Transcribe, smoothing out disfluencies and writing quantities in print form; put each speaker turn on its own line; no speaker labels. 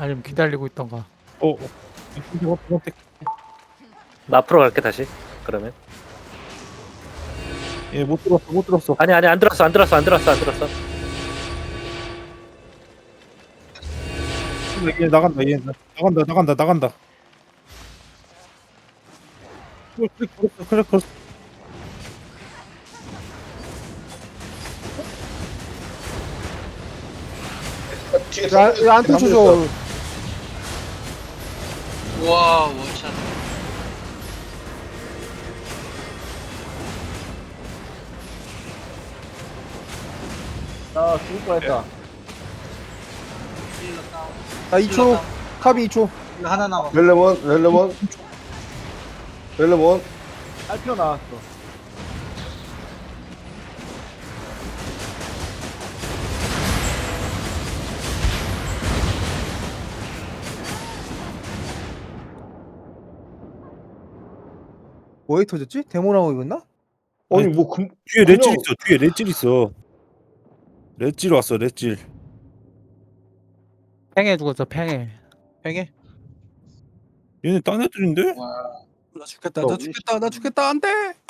아니면 기다리고 있던가.
나 앞으로 갈게 다시. 그러면
얘못 들었어 못 들었어.
아니 안 들었어.
얘 나간다 얘 나간다. 그래 걸었어.
뒤에
야, 안 터쳐줘.
와 원샷.
나 죽을 뻔했다.
힐러 다운.
나 2초. 카비 2초.
힐러 하나 남았어.
렐레몬
알피오 나왔어. 뭐에 터졌지? 데모라고 입었나?
아니 뭐
뒤에 렛질 있어. 뒤에 렛질 있어. 렛질 왔어 렛질.
팽해 죽었어, 팽해.
팽해?
얘네 딴 애들인데?
와
나 죽겠다. 나 죽겠다. 안 돼.